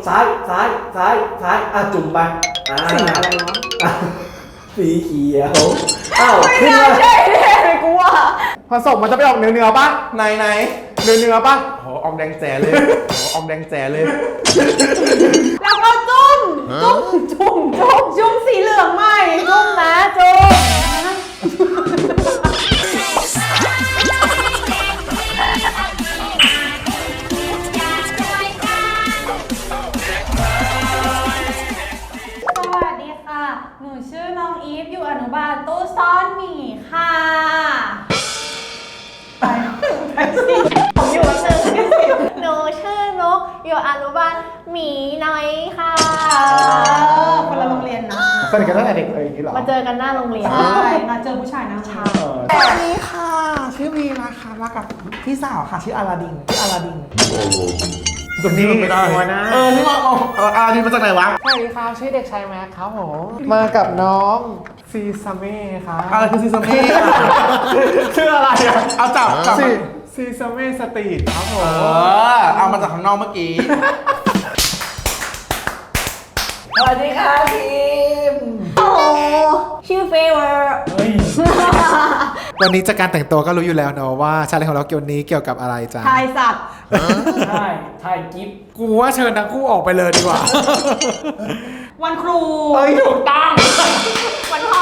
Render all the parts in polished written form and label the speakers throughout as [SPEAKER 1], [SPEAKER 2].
[SPEAKER 1] ซ้ายจุ่มไป
[SPEAKER 2] สีอะไรวะ
[SPEAKER 1] สีเขียวอ้าว
[SPEAKER 2] ไม่
[SPEAKER 1] ขึ้น
[SPEAKER 2] น่า
[SPEAKER 1] มา
[SPEAKER 2] ใช่แน่เลยกูว่า
[SPEAKER 3] ผสมมันจะไปออกเนื้อป่ะ
[SPEAKER 4] ไหน
[SPEAKER 3] เนื้อป่ะโหออกแดงแจ๋เลยออกแดงแจ๋เลย
[SPEAKER 2] แล้วก็จุ่มสีเหลืองใหม่จุ่มนะจุ่มสวัสดีค่ะหนูชื่อน้องอีฟอยู่อนุบาลตู้ซ่อนหมีค่ะผมอยู่วันหนึ่งหนูชื่อนกอยู่อนุบาลหมีน้อยค่ะคนละโรงเรียนนะ
[SPEAKER 3] สนิทกันตั้งแต่เด็กเลยอย่างนี้หรอ
[SPEAKER 2] มาเจอกันหน้าโรงเรียน
[SPEAKER 5] ใช่มาเจอผู้ชายนะชา
[SPEAKER 4] สวัสดีค่ะ ชื่อวีนะคะมากับพี่สาวค่ะชื่ออาลาดิน
[SPEAKER 3] ตัวนี้ไม่ได้นะ
[SPEAKER 4] นึกออกอาลาดินมาจากไหนวะ
[SPEAKER 3] สวัสดีครับชื่อเด็กชายแม็กครับผมมากับน้องซีซาเม่ครับ
[SPEAKER 4] อะไรคือซีซัมเม่
[SPEAKER 3] ชื่ออะไรอ่ะ
[SPEAKER 4] เอาจับ
[SPEAKER 3] ซีซาเม่สตรีทครับผม
[SPEAKER 4] เอามาจากข้างนอกเมื่อกี้
[SPEAKER 1] สวัสดีค่ะทีม
[SPEAKER 2] โอ้ชื่อเฟเวอร์
[SPEAKER 1] เฮ้ย
[SPEAKER 3] วันนี้จากการแต่งตัวก็รู้อยู่แล้วเนาะว่าชาเลนจ์ของเราเกี่ยวนี้เกี่ยวกับอะไรจ้ะ
[SPEAKER 2] ทายสัตว์
[SPEAKER 1] ใช่ถ่ายกิฟต์
[SPEAKER 3] กูว่าเชิญทั้งคู่ออกไปเลยดีกว่า
[SPEAKER 5] วันครู
[SPEAKER 3] ถูกต้อง
[SPEAKER 2] วันพ่อ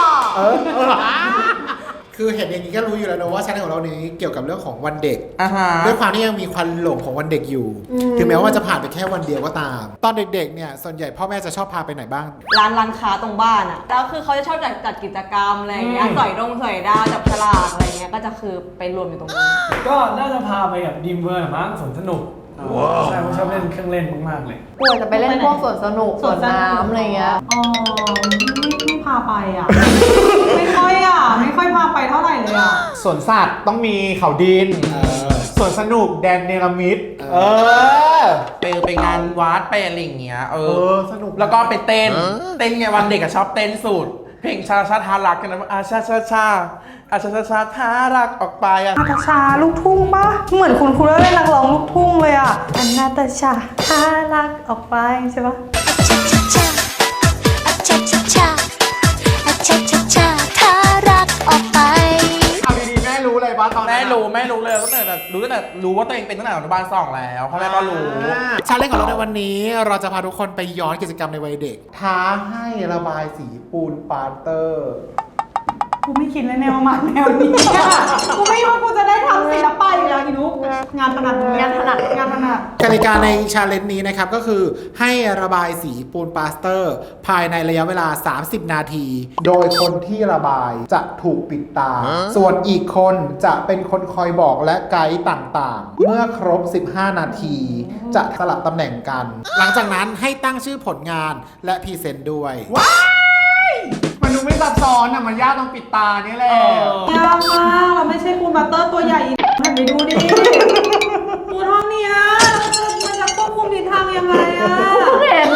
[SPEAKER 3] คือเห็นอย่างนี้ก็รู้อยู่แล้วนะว่าชาเลนจ์ของเรานี้เกี่ยวกับเรื่องของวันเด็ก
[SPEAKER 4] ฮะ
[SPEAKER 3] ด้วยความที่ยังมีควันหลงของวันเด็กอยู่ ถึงแม้ว่ามันจะผ่านไปแค่วันเดียวก็ตาม ตอนเด็กๆเนี่ยส่วนใหญ่พ่อแม่จะชอบพาไปไหนบ้าง
[SPEAKER 5] ร้านค้าตรงบ้านอ่ะแล้วคือเขาจะชอบจัดกิจกรรมอะไรอย่างเงี้ยสอยดาวจับฉลากอะไรเงี้ยก็จะคือไปรวมอยู่ตรงนั้น
[SPEAKER 1] ก็น่าจะพาไปกับดีมเวอร์มั้งสวนสนุกใช่ผมชอบเล่นเครื่องเล่นมากๆเลย
[SPEAKER 2] ควรจะไปเล่นพวกสวนสนุกสวนน้ำอะไรเงี้ย
[SPEAKER 5] อ๋อไม่พาไปอ่ะ ไม่ค่อยพาไปเท่าไหร่เลยอ่ะ
[SPEAKER 3] สวนสัตว์ต้องมีเขาดินสวนสนุกแดนเนลมิด
[SPEAKER 4] ไปงานวัดไปอะไรอย่างเงี้ย
[SPEAKER 3] สนุก
[SPEAKER 4] แล้วก็ไปเต้นไงวันเด็กอะชอบเต้นสุดเพลงชาทารักกันนะชาทารักออกไปอะ
[SPEAKER 5] นาตาชาลูกทุ่งปะเหมือนคุณเล่นนักร้องลูกทุ่งเลยอ่ะอันนาตาชาถ้ารักออกไปใช่ปะ
[SPEAKER 6] ถ้ารักออกไป
[SPEAKER 3] เอาดีๆแม่รู้เลยว่าตอนนั้น
[SPEAKER 4] แม่รู้เลยตั้งแต่รู้ว่าตัวเองเป็นตั้งแต่อนุบาล2แล้วพ่อแม่ก็รู้
[SPEAKER 3] ชาเลนจ์ของเราในวันนี้เราจะพาทุกคนไปย้อนกิจกรรมในวัยเด็ก ท้าให้ระบายสีปูนปาเตอร์
[SPEAKER 5] กูไม่คิดเลยแนวมาแนวนี้อะกูไม่ว่ากูจะได้ทำศิลปะอยู่แล้วอีนุกงานถนัด
[SPEAKER 3] กติกาในชาเลนจ์นี้นะครับก็คือให้ระบายสีปูนปาสเตอร์ ภายในระยะเวลา 30 นาที โดยคนที่ระบายจะถูกปิดตา ส่วนอีกคนจะเป็นคนคอยบอกและไกด์ต่างๆ เมื่อครบ 15 นาที จะสลับตำแหน่งกัน หลังจากนั้นให้ตั้งชื่อผลงานและพรีเซนต์ด้วยมันดูไม่ซับซ้อนอ่ะมันยากตรงปิดตานี่แหละ
[SPEAKER 5] ยากมากเราไม่ใช่ปูนบัตเตอร์ตัวใหญ่หันไปดูดิปูนห้องเนี้ยมันจะควบคุมทิศทางยังไงอะ
[SPEAKER 2] เห็น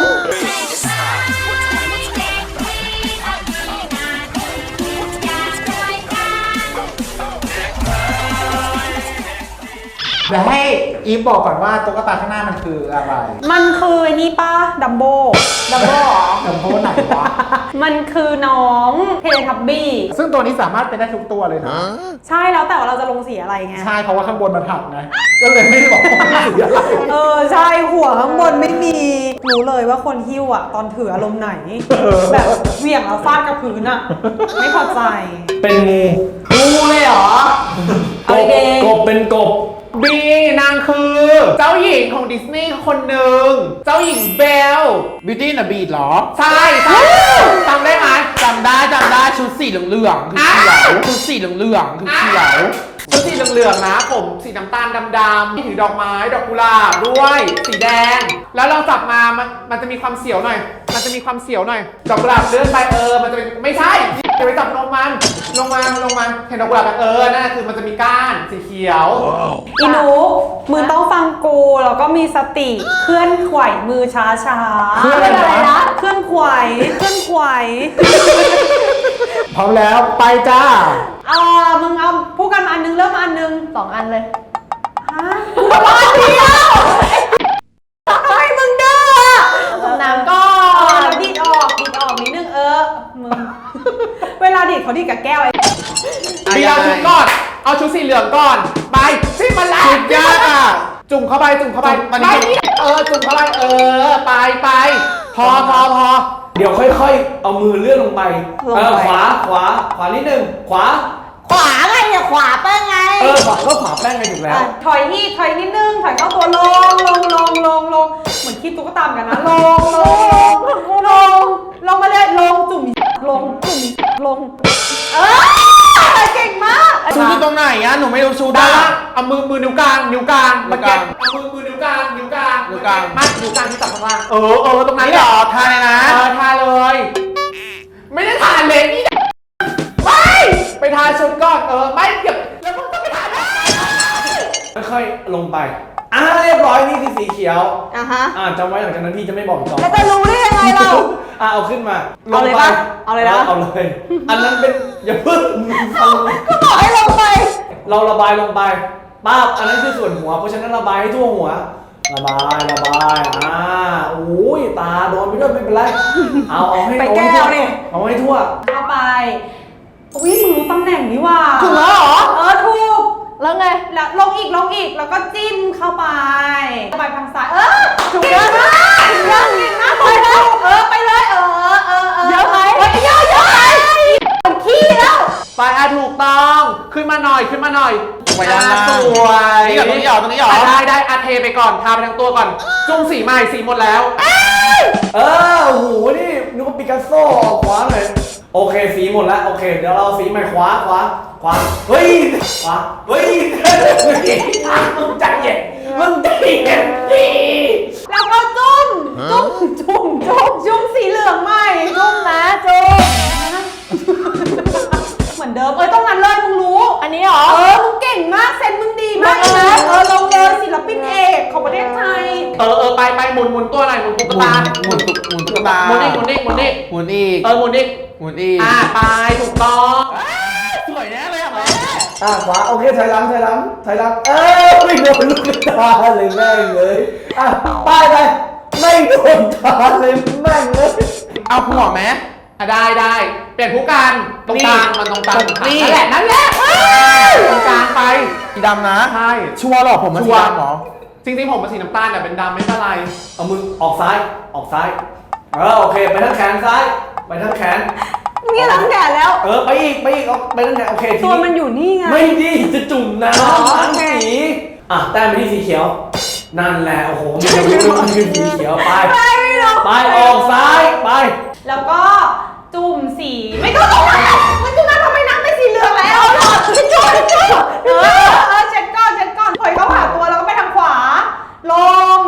[SPEAKER 3] เดี๋ยวให้อีฟบอกก่อนว่าตุ๊กตาข้างหน้ามันคืออะไร
[SPEAKER 5] มันคือไอ้นี่ป้าดัมโบเหรอ
[SPEAKER 3] เดี๋ยวโพสต์ไหนวะ
[SPEAKER 5] มันคือน้องเทเลทับบี้
[SPEAKER 3] ซึ่งตัวนี้สามารถเป็นได้ทุกตัวเลยนะ
[SPEAKER 5] ใช่แล้วแต่ว่าเราจะลงสีอะไรไง
[SPEAKER 3] ใช่เพราะว่าข้างบนมันถักไงก็เลยไม่ได้บอกว่ามันสีอะไร
[SPEAKER 5] ใช่หัวข้างบนไม่มีรู้เลยว่าคนหิ้วอะตอนถืออารมณ์ไหน แบบเหวี่ยงแล้วฟาดกับพื้นอะไม่พอใจ
[SPEAKER 1] เป็นงู
[SPEAKER 5] งูเลยเหรอ
[SPEAKER 1] กบกบเป็นกบ
[SPEAKER 3] บีนางคือ เจ้าหญิงของดิสนีย์คนหนึ่งเจ้าหญิงเบล
[SPEAKER 4] Beauty and the Beast เหรอ
[SPEAKER 3] ใช่จำได้ไหม
[SPEAKER 4] จำได้ชุดสีเหลืองๆคือเขียวชุดสีเหลืองๆคือเขียว
[SPEAKER 3] ชุดสีเหลืองๆนะผมสีน้ำตาลดำๆถือดอกไม้ดอกกุหลาบด้วยสีแดง แล้วเราจับมามันจะมีความเสียวหน่อย ดอกกุหลาบเลื่อนไปมันจะเป็นไม่ใช่จะไปจับลงมาเห็นดอกกุหลาบนั่นคือมันจะมีก้านสีเขียว
[SPEAKER 5] อีหนูมือต้องฟังกูแล้วก็มีสติเคลื่อนไหวมือช้าๆ
[SPEAKER 3] เคลื่อนอะไรนะ
[SPEAKER 5] เคลื่อนไหว
[SPEAKER 3] พร้อมแล้วไปจ้า
[SPEAKER 5] มึงเอาพูดกันอันนึงเริ่มอันนึง
[SPEAKER 2] 2 อันเลย
[SPEAKER 5] ฮะกูว่าอันเดียวทำไมมึงเด้อเขาดีกับแก้วไอ้
[SPEAKER 3] บีเอาชุดก่อน เอาชุดสีเหลืองก่อน ไปจิ้มมันละ
[SPEAKER 4] ชุดยากอ่ะ
[SPEAKER 3] จุ่มเข้าไปจุ่มเข้าไป
[SPEAKER 4] มัน
[SPEAKER 3] ไม่จุ่มเข้าไปไปพอ
[SPEAKER 1] เดี๋ยวค่อยๆ เอามือเลื่อนลงไปขวานิดนึงขวา
[SPEAKER 2] ขวาไงเนี่ยขวาเป้งไง
[SPEAKER 1] ขวาก็ขวาแป้งไงถูกแล้ว
[SPEAKER 5] ถอยนิดนึงถอยเข้าตัวลงเหมือนคิดตุ๊กตาเหมือนกันนะลงมาเลยลงจุ่มลงเก่งมาก
[SPEAKER 4] ชูอยู่ตรงไหนอ่ะหนูไม่รู้ชู
[SPEAKER 3] ด้า
[SPEAKER 4] ได้
[SPEAKER 3] นล่างเอามือนิ้วกลางเมื่อกี้เอามือนิ้วกลางมานิ้วกลางที่จับข้างล่างตรงนั้น
[SPEAKER 4] นี่เหรอทายนะ
[SPEAKER 3] ทาเลย ไม่ได้ทาเล็บนี่ไปทาชุดก่อนไม่เก็บแล้วมึงต้องไปทาได้
[SPEAKER 1] ค่อยๆ ลงไป เรียบร้อยนี่คือสีเขียว
[SPEAKER 2] ฮะ
[SPEAKER 1] จำไว้หลังจากนั้นพี่จะไม่บอกอีกต่อ
[SPEAKER 2] แล้วจะรู้ได้ยังไงเรา
[SPEAKER 1] เอาขึ้นมา
[SPEAKER 2] เอาเลยปะเอาเลยนะ
[SPEAKER 1] เอาเลย อันนั้นเป็นอย่าพึ่ง
[SPEAKER 2] ก็บอกให้ลงไป
[SPEAKER 1] เราระบายลงไปป้าบอันนั้นคือส่วนหัว เพราะฉะนั้นระบายให้ทั่วหัว ระบายโอ้ยตาโดนไปด้วยไม่เป็นไร เอาให้
[SPEAKER 2] ไปแก้วนี่
[SPEAKER 1] เอาให้ทั่ว
[SPEAKER 5] เข้าไปอุ้ยมึงรู้ตำแหน่งนี้ว่ะ
[SPEAKER 2] ถูกแล้วเหรอ
[SPEAKER 5] ถูก
[SPEAKER 2] แล้วไง
[SPEAKER 5] แล้วลงอีกแล้วก็จิ้มเข้าไปไปทางซ้ายถูก
[SPEAKER 2] เก่งมาก
[SPEAKER 5] เก่งมากไปเลยไปเลย
[SPEAKER 2] เยอะไหม
[SPEAKER 5] เยอะไปขี้แล้ว
[SPEAKER 3] ไปถูกต้องขึ้นมาหน่อย
[SPEAKER 4] ไว้ด้านล่าง
[SPEAKER 3] สวย
[SPEAKER 4] นี่เหรอตรงนี้เหรอ
[SPEAKER 3] ได้เทไปก่อนทาไปทั้งตัวก่อนจุ่มสีใหม่สีหมดแล้ว
[SPEAKER 1] โอ้โห นี่นึกว่าปิกัสโซ่ออกขวาหน่อยโอเค สีหมดแล้ว โอเค เดี๋ยวเราสีใหม่ขวา เฮ้ย ขวา เฮ้ยมึงใจเย็นดิ
[SPEAKER 5] แล้วก็จุ่มสีเหลืองใหม่
[SPEAKER 2] จุ่มนะจุ่ม
[SPEAKER 5] เหมือนเดิมตรงนั้นเลยมึงรู้
[SPEAKER 2] อันนี้เหรอ
[SPEAKER 5] มึงเก่งมากเซนมึงดีมากเลยนะลงเลยศิลปินเอกของประเทศไทย
[SPEAKER 3] ไปหมุนตัวหน่อยหมุนตุ๊กตา
[SPEAKER 4] หมุนตุ๊กตา
[SPEAKER 3] หมุนอีก
[SPEAKER 4] หมุนอีก
[SPEAKER 3] หมุนอีก
[SPEAKER 4] หมุนอีก
[SPEAKER 3] ไปถูกต้อง
[SPEAKER 4] สวยแน่เลยอ่ะแม่
[SPEAKER 1] ขวา โอเคถอยหลังไม่โดนลูกตาเลยแม่งเลยป้ายไป ไม่โดนตาเลยแม่งเลย
[SPEAKER 4] เอาหัวไหม
[SPEAKER 3] ได้เปลี่ยนผู้การตรงกลางมันตรงกลาง
[SPEAKER 4] นี่
[SPEAKER 3] นั่นแหละตรงกลางไป
[SPEAKER 4] สีดำนะ
[SPEAKER 3] ใช่
[SPEAKER 4] ชัวร์หรอผมมันสีดำหรอ
[SPEAKER 3] จริงๆผมเป็นสีน้ำตาลแต่เป็นดำไม่เป็นไร
[SPEAKER 1] เอามือออกซ้ายโอเค ไปทั้งแขนซ้าย ไปทั้งแขน
[SPEAKER 2] นี่หลังแดดแล้ว
[SPEAKER 1] ไปอีกเอาไปทั้งแขนโอเคที
[SPEAKER 5] ตัวมันอยู่นี่ไง
[SPEAKER 1] ไม่ดีจะจุ่มน้
[SPEAKER 2] อ๋อ
[SPEAKER 1] ำ
[SPEAKER 2] โอเค
[SPEAKER 1] สีแต้มไปที่สีเขียว นั่นแหละ โอ้โหมันจะรู้ว่ามันคือสีเขียวไป ไปออกซ้ายไป
[SPEAKER 5] แล้วก็จุ่มสีไม่ต้องตรงนั้นมันจุ่มน้ำทำไมน้ำเป็นสีเหลืองแล้วหรอจุ่มเช็ดก่อนถอยเข้าหาตัวแล้วก็ไปทางขวา ลง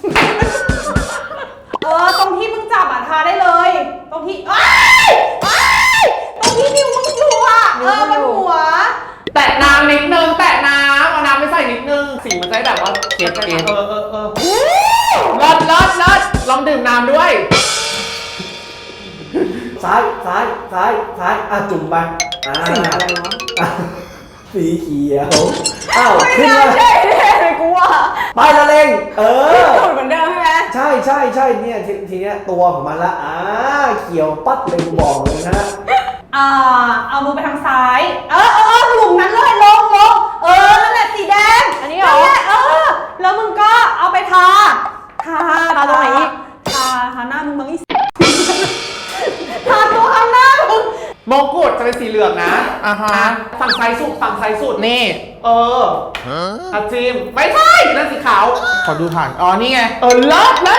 [SPEAKER 5] ตรงที่มึงจับทาได้เลย ตรงที่ตรงที่นิ้วมึงอยู่บนหัว
[SPEAKER 3] แตะน้ำนิดนึงเอาน้ำไม่ใส่นิดนึงสีมันจะได้แบบว่าเกล็ดลองดื่มน้ำด้วย
[SPEAKER 1] ซ้ายจุ่มไปสีเขียวขึ้นมา
[SPEAKER 2] ใช่เลยกูว่า
[SPEAKER 1] ไปละเลง
[SPEAKER 2] จุ่มเหมือนเดิมใช่ไหม
[SPEAKER 1] ใช่เนี่ยทีเนี้ยตัวของมันละเขียวปั๊ดเลยกูบอกเลยนะ
[SPEAKER 5] เอามือไปทางซ้ายหลุมนั้นเลยลงนั่นแหละสีแดง
[SPEAKER 2] อันนี้เหรอ
[SPEAKER 5] นั่นแหละแล้วมึงก็เอาไปทาตรงไหนอีกทาหน้ามึงมั้งทาตัวข้างหน้ามึง
[SPEAKER 3] มงกุฎจะเป็นสีเหลืองนะฝั่งซ้ายสุด
[SPEAKER 4] นี่
[SPEAKER 3] จิมไม่ใช่นั่นสีขาว
[SPEAKER 4] ขอดูฐานนี่ไง
[SPEAKER 3] เลิศไม่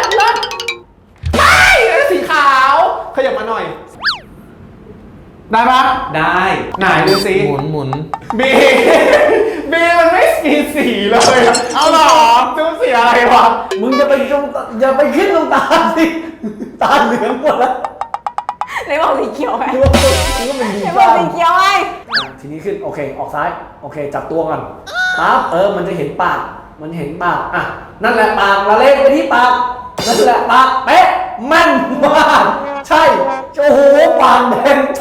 [SPEAKER 3] นั่นสีขาวขยับมาหน่อย ได้ปะ
[SPEAKER 1] ได้
[SPEAKER 3] ไหนดูสิ
[SPEAKER 4] หมุน
[SPEAKER 3] บีมันไม่มีสีเลยเอาหรอจุ๊บสีอะไรวะ
[SPEAKER 1] มึงอย่าไปขึ้นตรงตาสิตาเหลืองหมดแล้ว
[SPEAKER 2] ไหนบอกสีเขียวไง
[SPEAKER 1] นึกว่ามันดี
[SPEAKER 2] ไหนบ
[SPEAKER 1] บ้า
[SPEAKER 2] อก
[SPEAKER 1] ง
[SPEAKER 2] สีเขียวไง
[SPEAKER 1] ทีนี้ขึ้นโอเคออกซ้ายโอเคจับตัวก่อนปั๊บมันจะเห็นปากนั่นแหละปากละเลงไปที่ปากนั่นแหละปากเป๊ะแม่นมากใช่โอ้โหปากแดงใช่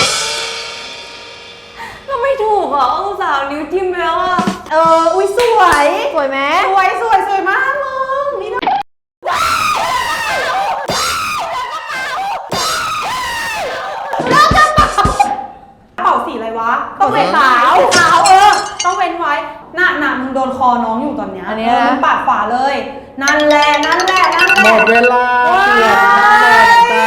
[SPEAKER 2] ก็ไม่ถูกเหรออุตส่าห์นิ้วจิ้มแล้วอ่ะ
[SPEAKER 5] อุ้ยสวย
[SPEAKER 2] สวยไหม
[SPEAKER 5] สวยมากมึงนี่นะ
[SPEAKER 2] เต้องเป็นขาว
[SPEAKER 5] ขาวต้องเว้นไว้หน้ามึงโดนคอน้องอยู่ตอนเนี้ย
[SPEAKER 2] อันนี้นะ
[SPEAKER 5] มึงปาดขวาเลย นั่นแหละนั่นแหละนั่นแห
[SPEAKER 3] หม
[SPEAKER 5] ละ
[SPEAKER 3] ดเวลาเปลี่ยนตำแหน่งจ้า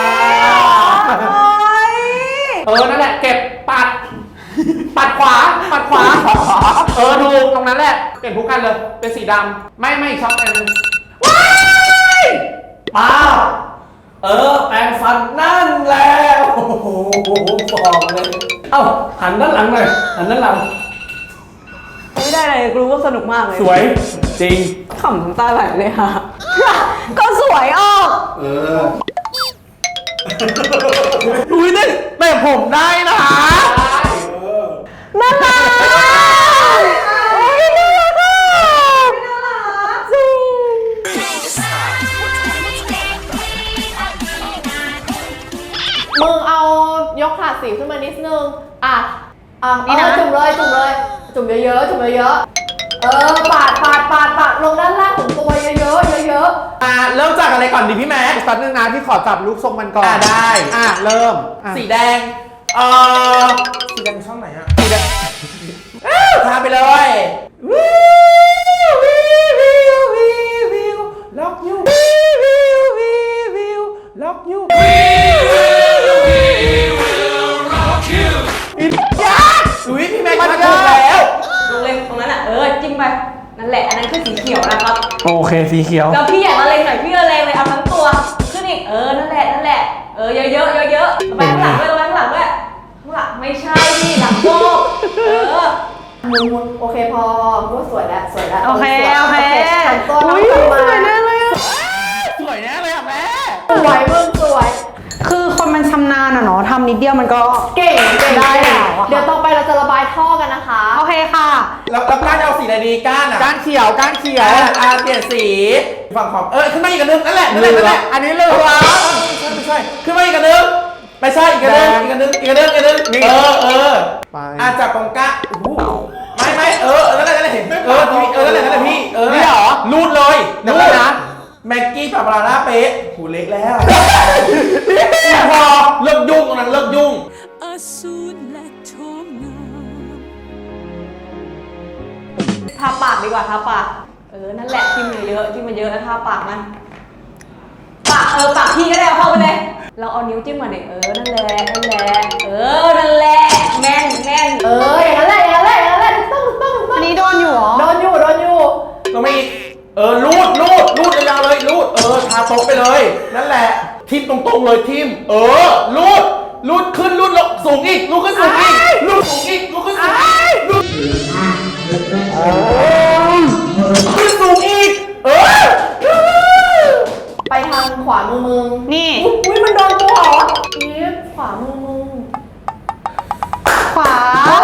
[SPEAKER 1] นั่นแหละเก็บปัดขวาถูกตรงนั้นแหละเปลี่ยนผู้กันเลยเป็นสีดำไม่ช็อกอันนึงว้ายป้าแปรงฟันนั่นแหละโอ้โหบอกเลยเอ้าหันด้านหลังหน่อยหันด้านหลัง
[SPEAKER 2] ไม่ได้เลยรู้ว่าสนุกมากเลย
[SPEAKER 1] สวยจริง
[SPEAKER 2] ขำน้ำตาไหลเลยค่ะ ก็สวยออก
[SPEAKER 4] อุ้ยแต่ผมได้นะ
[SPEAKER 2] น่ารักโอ้ยน่ารักอ่ะจริงมึงเอายกถาดสีขึ้นมานิดนึงนี่นะจุ่มเลยจุ่มเยอะปาดลงด้านล่างของตัวเยอะ
[SPEAKER 4] เริ่มจากอะไรก่อนดีพี่แม็ก
[SPEAKER 3] สักนึงนะพี่ขอจับลูกทรงมันก่อน
[SPEAKER 4] ได้
[SPEAKER 3] เริ่ม
[SPEAKER 4] สีแดงสีแดงช่องไหนฮะสีแดงทาไปเลย ล็อกยูล็อกยูอุ้ยพี่แม็กมาถูกแล้ว
[SPEAKER 7] ลงเลยตรงนั้นอ่ะจิ้มไปนั่นแหละอันนั้นคือสีเขียวนะครับ
[SPEAKER 1] โอเคสีเขียว
[SPEAKER 7] แล้วพี่อยากละเลงหน่อยพี่ละเลงเลยเอาทั้งตัวขึ้นอีกนั่นแหละเยอะไปข้างหลังด้วยข้างหลังไม่ใช่พี่หลังโก้
[SPEAKER 2] มุนโอเคพอพูดสวยแล้ว
[SPEAKER 5] โอเค
[SPEAKER 2] หันตัวน้องกลับมา
[SPEAKER 5] สวยแน่เลยอ่ะ
[SPEAKER 4] สวยแน่เลยอ่ะแม่
[SPEAKER 2] สวยมึงสวย
[SPEAKER 5] คือคนมันชำนาญอะเนาะทำนิดเดียวมันก็
[SPEAKER 2] เก่งได้แล้วเดี๋ยวต่อไปเราจะระบายท่อกันนะคะ
[SPEAKER 5] โอเคค่ะ
[SPEAKER 4] แล้วก้านเอาสีอะไรดีก้านอ่ะ
[SPEAKER 3] ก้านเขียว
[SPEAKER 4] เปลี่ยนสีฝั่งของขึ้นมาอีกอันนึงนั่นแหละ
[SPEAKER 3] อันนี้เหลือง
[SPEAKER 4] ไม่ใช่ขึ้นมาอีกอันนึงไม่ใช่อีกอันนึงนี่จับตรงก้าไม่นั่นแหละเห็นนั่นแหละพี่นี่เหรอรูดเลยนะแม็กกี้ปาปาร่าเป๊ะหูเล็กแล้วพอเลิกยุ่งตรงนั้นเลิกยุ่ง
[SPEAKER 6] อสูรและโฉมงาม
[SPEAKER 7] ทาปากดีกว่าทาปากนั่นแหละจิ้มมันเยอะแล้วทาปากมันปากพี่ก็ได้เอาเข้าไปเลยเราเอานิ้วจิ้มมาเด็นั่นแหละนั่นแหละแม่น
[SPEAKER 2] อย่างนั้นแหละถูกต้อง
[SPEAKER 5] อันนี้โดนอยู่เหรอ
[SPEAKER 2] โดนอยู่
[SPEAKER 4] ก็ไม่อีกรูดยาวๆเลยรูดทาโต๊ะไปเลยนั่นแหละทิมตรงๆเลยทิมรูดขึ้นรูดลงสูงอีกรูดขึ้นสูงอีกรูดสูงอีกรูดขึ้นสูงอีกรูดขึ้นสูงอีก
[SPEAKER 2] ไปทางขวามือมึง
[SPEAKER 5] นี่
[SPEAKER 2] อุ้ยมันโดนตัวเหรออีฟขวามือมึง
[SPEAKER 5] ขวา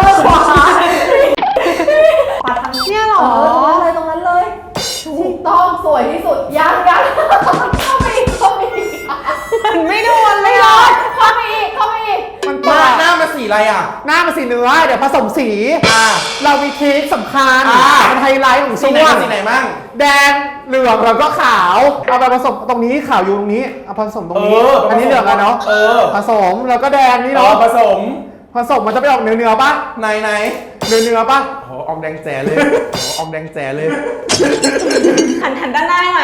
[SPEAKER 2] ขวาทาง
[SPEAKER 5] เนี่ยเหรอ
[SPEAKER 2] ตรงนั้นเลยถูกต้องสวยที่สุดยังเข้าไปอีก
[SPEAKER 5] มันไม่โดนเลยเหรอ
[SPEAKER 2] เข้าไปอีก
[SPEAKER 3] มัน
[SPEAKER 4] หน้ามาสีอะไรอ่ะ
[SPEAKER 3] หน้ามันสีเนื้อ เดี๋ยวผสมสี เรามีทริคสำคัญเป็นไฮไลท์ของ
[SPEAKER 4] สี
[SPEAKER 3] ช่วง
[SPEAKER 4] ไหนมั่ง
[SPEAKER 3] แดงเหลืองแล้วก็ขาว เอาไปผสมตรงนี้ขาวอยู่ตรงนี้ เอาผสมตรงนี้ อันนี้เหลืองแล้วเนาะผสมแล้วก็แดงนี่เนาะ
[SPEAKER 4] ผสม
[SPEAKER 3] มันจะไปออกเนื้อป่ะ
[SPEAKER 4] ไหน
[SPEAKER 3] เนื้อป่ะ
[SPEAKER 4] โอ้ออมแดงแจ๋เลยออมแดงแจ๋เลย
[SPEAKER 7] หันด้านหน้าให้หน่อย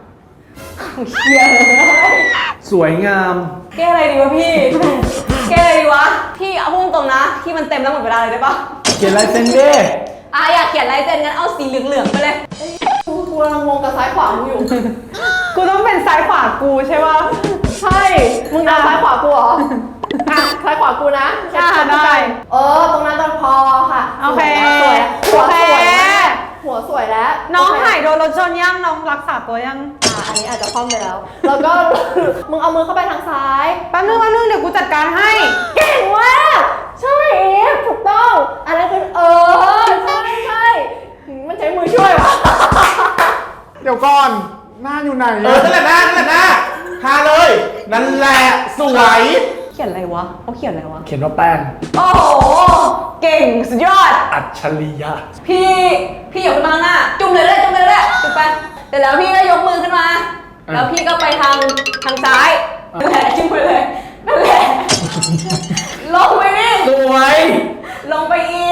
[SPEAKER 1] สวยงาม
[SPEAKER 7] แก้อะไรดีวะพี่ พี่เอาพุ่งตรงนะที่มันเต็มแล้วหมดเวลาเลยได้ปะ
[SPEAKER 1] เขียนลายเซ็นเด้
[SPEAKER 7] อยากเขียนลายเซ็นงั้นเอาสีเหลืองๆไปเลย
[SPEAKER 2] กูกำลังงงกับซ้ายขวามึงอยู่
[SPEAKER 5] กูต้องเป็นซ้ายขวากูใช่ป่ะ
[SPEAKER 2] ใช่ มึงเอาซ้ายขวากูเหรอซ้ายขวากูนะ
[SPEAKER 5] ได้
[SPEAKER 2] ตรงนั้นตอนพอค่ะ
[SPEAKER 5] โอเค
[SPEAKER 2] หัวสวยแล้ว
[SPEAKER 5] น้องหายโดนรถชนยังน้องรักษาตัวยัง
[SPEAKER 2] อันนี้อาจจะคล่อมไปแล้ว แล้วก็ มึงเอามือเข้าไปทางซ้าย
[SPEAKER 5] แป๊บนึงเดี๋ยวกูจัดการให้
[SPEAKER 2] เก่งมากใช่เอฟถูกต้องอันนั้นคือใช่มันใช้มือช่วยวะ
[SPEAKER 3] เดี๋ยวก่อน หน้าอยู่ไหน
[SPEAKER 4] นั่นแหละหน้าทาเลยนั่นแหละสวย
[SPEAKER 7] เขียนอะไรวะเขาเขียนอะไรวะ
[SPEAKER 1] เขียนว่าแป้ง
[SPEAKER 7] โอ้โห เก่งสุดยอด
[SPEAKER 1] อัจฉริยะ
[SPEAKER 7] พี่ยกขึ้นมาข้างหน้า จุ่มเลยจุ่มไปเสร็จแล้วพี่ก็ยกมือขึ้นมา แล้วพี่ก็ไปทางซ้ายนั่นแหละจิ้มไปเลยนั่นแหละลงไปนี่
[SPEAKER 1] สวย
[SPEAKER 7] ลงไปอี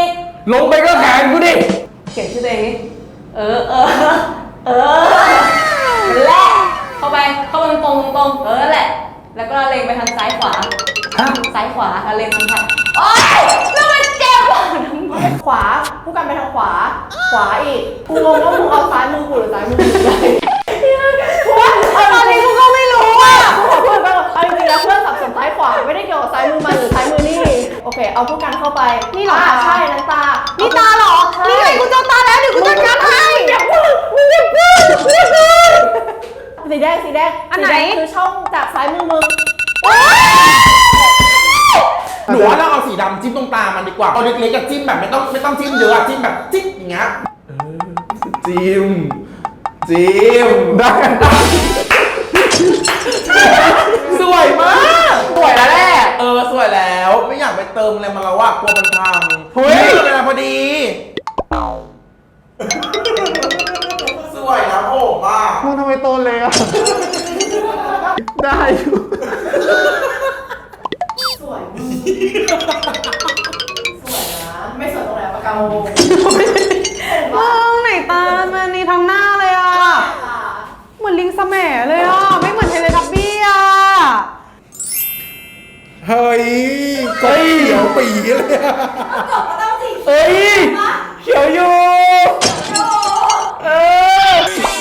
[SPEAKER 1] ลงไปก็แขนกูดิ
[SPEAKER 7] เขียนชื่อตัวเองดินั่นแหละเข้าไปตรงนั่นแหละ แล้วก็เล็งไปทางซ้ายขวา
[SPEAKER 1] ฮะ
[SPEAKER 7] ซ้ายขวาเล็งทางซ้ายโอ๊ยแล้วมันเจ็บอ่ะ
[SPEAKER 2] ขวาผู้กันไปทางขวา ขวาอีกกูงงว่ามึงเอาซ้ายมือกูหรือซ้ายมือกูเลยตอนนี้กูก็ไม่รู้อ่ะเพื่อนเอาจริงๆแล้วเพื่อนสับสนซ้ายขวาไม่ได้เกี่ยวกับซ้ายมือมันหรือซ้ายมือนี่โอเคเอาผู้กันเข้าไปนี่เหรอใช่นั่นตานี่ตาเหรอนี่ไงกูเจอตาแล้วเดี๋ยวกูจัดการให้อย่าพูดสีแดงอันไหนคือช่องจากซ้ายมือมึง
[SPEAKER 4] หนูว่าเราเอาสีดำจิ้มตรงตามันดีกว่าเอาเล็กๆกับจิ้มแบบไม่ต้องจิ้มเยอะอะจิ้มแบบจิ๊กอย่างเงี้ยจิ้มได้สวยมากสวยแล้วแหละสวยแล้วไม่อยากไปเติมอะไรมาแล้วว่ากลัวมันพังเฮ้ยเวลาพอดีสวยนะผมอ่ะ
[SPEAKER 3] มึงทำไมโตเลยอ่ะ ได้อยู่
[SPEAKER 2] สวยนะไม่สวยตรงไหนปากกาโม
[SPEAKER 5] มึงไหนตามันนี่ทั้งหน้าเลยอ่ะ เหมือนลิงสแหมเลยอ่ะ ไม่เหมือนเทเลทับบี้อ่ะ
[SPEAKER 3] เฮ้ยก็เขียวปีเลยอะ
[SPEAKER 1] เฮ้ย เขียวอยู่เออ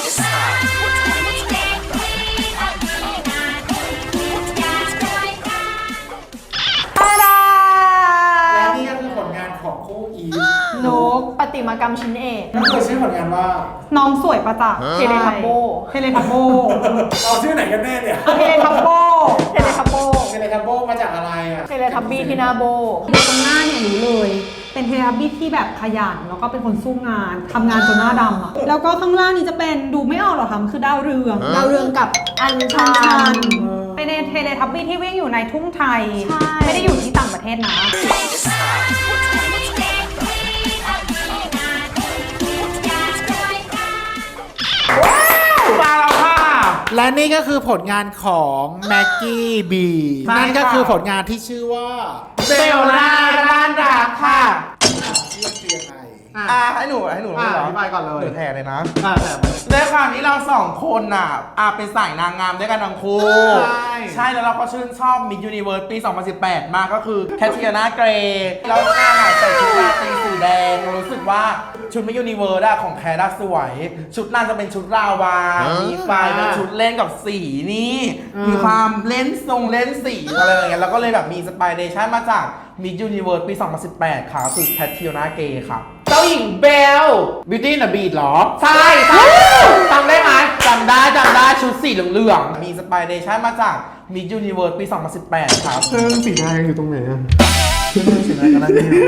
[SPEAKER 3] และนี่ก็คือผลงานของคู่อีฟ
[SPEAKER 2] นกปฏิมากรรมชิ้นเอก
[SPEAKER 3] ก็คือชื่อผลงานว่า
[SPEAKER 5] น้องสวยประจักษ์
[SPEAKER 2] เทเลทับโบ
[SPEAKER 5] เทเลทับโบ
[SPEAKER 3] เอาชื่อไหนกันแน่เนี่ย
[SPEAKER 5] เทเลทับโบ
[SPEAKER 2] เทเลทับโบ
[SPEAKER 3] เทเลทับโบมาจากอะไรอ่ะ
[SPEAKER 2] เทเลทับบี้ที่หนาโบ
[SPEAKER 5] ดูตรงหน้าเนี่ยรู้เลย เป็นเทเลทับบี้ที่แบบขยันแล้วก็เป็นคนสู้งานทำงานจนหน้าดำอ่ะ แล้วก็ข้างล่างนี้จะเป็นดูไม่ออกหรอกค่ะมันคือดาวเรือง
[SPEAKER 2] ดาวเรืองกับอัญชั
[SPEAKER 5] ชั
[SPEAKER 2] น
[SPEAKER 5] นเป็นเทเลทับบี้ที่วิ่งอยู่ในทุ่งไทย
[SPEAKER 2] ใช่
[SPEAKER 5] ไม่ได้อยู่ที่ต่างประเทศนะ
[SPEAKER 4] มาแล้วค่ะ
[SPEAKER 3] และนี่ก็คือผลงานของแม็กกี้บี
[SPEAKER 4] ใช่
[SPEAKER 3] นั่นก็
[SPEAKER 4] ค่ะ
[SPEAKER 3] คือผลงานที่ชื่อว่า
[SPEAKER 4] เบลล่าร้านรักค่ะ
[SPEAKER 3] ชื่อยังไง
[SPEAKER 4] ให้หนูเลยเหรอ
[SPEAKER 3] อธิบายก่อนเลย
[SPEAKER 4] หนูแทนเลยนะ
[SPEAKER 3] แต่
[SPEAKER 4] ด้วยความที่เราสองคนน่ะเป็นสายนางงามด้วยกันทั้งคู่ ใช่แล้วเราก็ชื่นชอบ Miss Universe ปี 2018 มากก็คือแคทริยานาเกรย์แล้วนางใส่ชุดราตรีสีแดงเรารู้สึกว่าชุด Miss Universe ของแคทสวย ชุดนางจะเป็นชุดราวา มีไฟเป็นชุดเล่นกับสีนี่ มีความเล่นสีอะไรอย่างเงี้ยแล้วก็เลยแบบมีสไปเดชั่นมาจาก Miss Universe ปี 2018 ค่ะคือแคทริยานาเกรย์ค่ะเจ้าหญิงเบล Beauty and the Beast หรอ ใช่จำได้ไหมจำได้ชุดสีเหลืองๆ มีสไปเดชั่นมาจาก Miss Universe ปี 2018 ครับเรื่องสีแดงอยู่ตรงไหนอ่ะเรื่องสีแดงก็น่าจะอยู่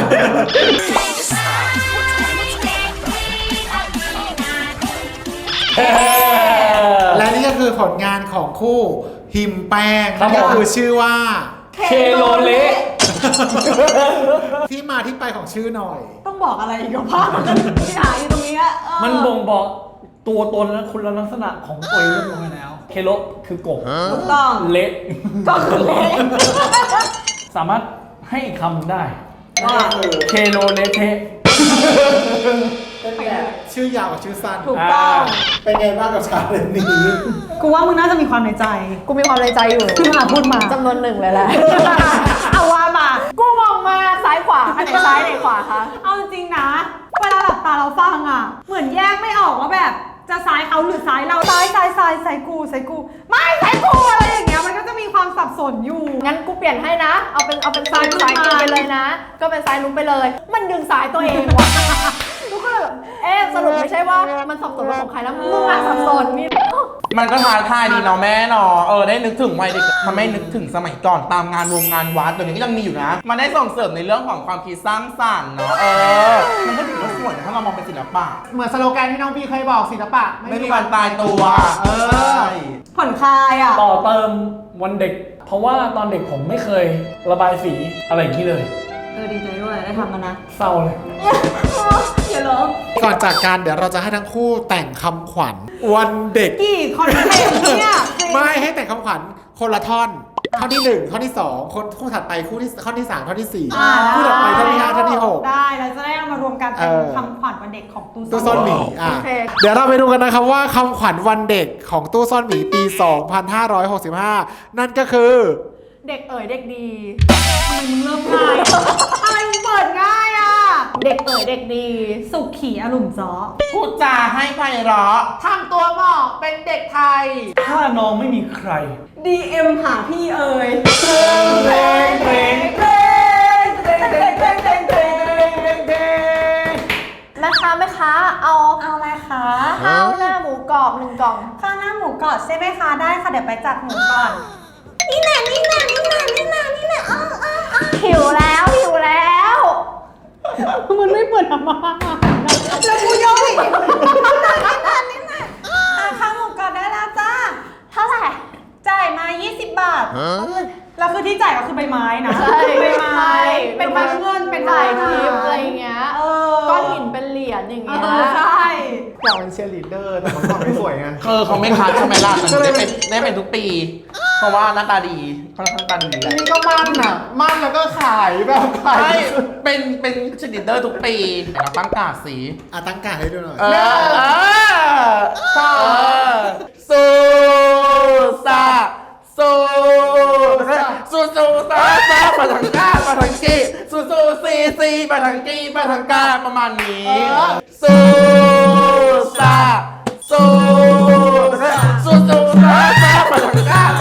[SPEAKER 3] และนี่ก็คือผลงานของคู่หิมแป้ง
[SPEAKER 1] ครั
[SPEAKER 3] นั่
[SPEAKER 1] บ
[SPEAKER 3] นก็
[SPEAKER 1] ผม
[SPEAKER 3] คือชื่อว่า
[SPEAKER 1] เคโลเละ
[SPEAKER 3] ที่มาที่ไปของชื่อหน่อย
[SPEAKER 5] ต้องบอกอะไรอีกกับภาพที่หาอยู่ตรงนี้อะ
[SPEAKER 1] มันบ่งบอกตัวตนและคุณลักษณะของตัวเองเรียบร้อยแล้ว เคโลคือกบ
[SPEAKER 5] ถูกต้อง
[SPEAKER 1] เละ
[SPEAKER 5] ก็คือเละ
[SPEAKER 1] สามารถให้อีกคำได้
[SPEAKER 5] ว่า
[SPEAKER 1] เคโลเละเทะ
[SPEAKER 3] เป็นแบบชื่อยาวกับชื่อสั้น
[SPEAKER 5] ถูกต้อง
[SPEAKER 3] เป็นไงบ้างกับชาเลนจ์นี้
[SPEAKER 5] กูว่ามึงน่าจะมีความในใจ
[SPEAKER 2] กูมีความในใจอยู่
[SPEAKER 5] คือมาพูดมา
[SPEAKER 2] จำนวนหนึ่งเลยแหละ
[SPEAKER 5] เอาว่ามา
[SPEAKER 2] กูมองมาซ้ายขวาอันไหนซ้ายไหนขวาคะ
[SPEAKER 5] เอาจริงๆนะ เวลาหลับตาเราฟังอ่ะ เหมือนแยกไม่ออกว่าแบบ จะซ้ายเขาหรือซ้ายเรา ซ้ายกู ไม่ซ้ายกูอะไรอย่างเงี้ย มันก็จะมีความสับสนอยู่
[SPEAKER 2] งั้นกูเปลี่ยนให้นะ เอาเป็นซ้าย
[SPEAKER 5] ซ้าย
[SPEAKER 2] กูไปเลยนะ ก็เป็นซ้ายนุ้งไปเลย มันดึงซ้ายตัวเองว่ะกูก็เลยแบบสรุปไม่ใช่ว่ามันสับสนว่าของใครแล้วมึงอะสับสนนี่
[SPEAKER 4] มันก็ท้าทายดีเนาะแม่เนาะได้นึกถึงวัยเด็กทำให้นึกถึงสมัยก่อนตามงานงานวัดตัวนี้ก็ยังมีอยู่นะ มันได้ส่งเสริมในเรื่องของความคิดสร้างสรรค์เนาะมันก็ถือว่าสวยนะถ้าเรามองเป็นศิลปะ
[SPEAKER 3] เหมือนสโลแกนที่น้องพี่เคยบอกศิลปะ
[SPEAKER 4] ไม่มีวันตายตัว ใช่
[SPEAKER 5] ผ่อนคลายอ่ะ
[SPEAKER 1] ต่อเติมวันเด็ก เพราะว่าตอนเด็กผมไม่เคยระบายสีอะไรอย่างนี้เลย
[SPEAKER 5] ดีใจด้วยได้ทำมันนะ
[SPEAKER 1] เศร้าเลย
[SPEAKER 5] อย่าร้อง
[SPEAKER 3] ก่อนจากการเดี๋ยวเราจะให้ทั้งคู่แต่งคำขวัญวันเด็ก
[SPEAKER 5] กี่คอนเทนต์เนี่ย
[SPEAKER 3] ไม่ให้แต่งคำขวัญคนละท่อนข้อที่ 1 ข้อที่ 2 คู่ถัดไปข้อที่ 3 ข้อที่ 4
[SPEAKER 5] ได้
[SPEAKER 3] คู่ถัดไปข้อที่ 5 ข้อที่
[SPEAKER 5] ได้เราจะได้เอามารวมกันเป็น
[SPEAKER 3] เออ
[SPEAKER 5] คำขวัญวันเด็กของตู้
[SPEAKER 3] 6 ตู้ซ่อนหมี
[SPEAKER 2] โอเค
[SPEAKER 3] เดี๋ยวเราไปดูกันนะครับว่าคำขวัญวันเด็กของตู้ซ่อนหมีปี 2565 นั่นก็คือ
[SPEAKER 2] เด็กเอ๋ยเด็กดี
[SPEAKER 5] ทำไมมึงเริ่มง่ายทำไมมึงเปิดง่ายอ่ะ
[SPEAKER 2] เด็กเอ๋ยเด็กดี
[SPEAKER 5] สุขีอลุ่มจ้อ
[SPEAKER 4] พูดจาให้ไพเราะ
[SPEAKER 2] ทำตัวเหมาะเป็นเด็กไทย
[SPEAKER 1] ถ้าน้องไม่มีใคร
[SPEAKER 7] DM หาพี่เอ๋ย
[SPEAKER 1] เพลงเพลงเพลงเพลงเพลงเพลงเพลงเพลงเพลง
[SPEAKER 2] แม่ค้าเอา
[SPEAKER 5] เอาอะไรคะ
[SPEAKER 2] ข้าวหน้าหมูกรอบ1 กล่อง
[SPEAKER 5] ข้าวหน้าหมูกรอบใช่ไหมคะได้ค่ะเดี๋ยวไปจัดหมูก่อนนี่แน่
[SPEAKER 2] หิวแล้ว
[SPEAKER 5] มันไม่เปิดออกมาแล้วกูย่อยข้าวหมูกรอบได้แล้วจ้า
[SPEAKER 2] เท่าไหร่
[SPEAKER 5] จ่ายมา 20 บาทแล้วคือที่จ่ายก็คือใบไม้นะ
[SPEAKER 2] ใช่
[SPEAKER 5] ใบไม้เป็นทั้งเงินเป็นทั้
[SPEAKER 2] ถ่าย
[SPEAKER 5] ง
[SPEAKER 2] คลิปอะไรอย่างเงี้ย ก้อนหินเป็นเหรียญอย่างเงี้ย
[SPEAKER 5] ใช่
[SPEAKER 3] อยากเป็นเชียร์ลีดเดอร์แต่มันทำไม่สวยไง
[SPEAKER 4] เขาไม่คัดใช่ไหมล่ะแต่ได้เป็นทุกปี เพราะว่าหน้าตาดีค่อนข้างตาดีแหละ
[SPEAKER 3] นี่ก็มั่นอ่ะ มั่นแล้วก็ขายแบบขาย
[SPEAKER 4] ใช่เป็นชนิดเดอร์ทุกปีเราตั้งการ์ดสี
[SPEAKER 3] ตั้งการให้ดูหน่อย
[SPEAKER 4] สู้ซาสู้ซามาทางก้ามาทางกี้สู้ซีมาทางกี้มาทางก้าประมาณนี้สู้ซาสู้ซามาทางก้า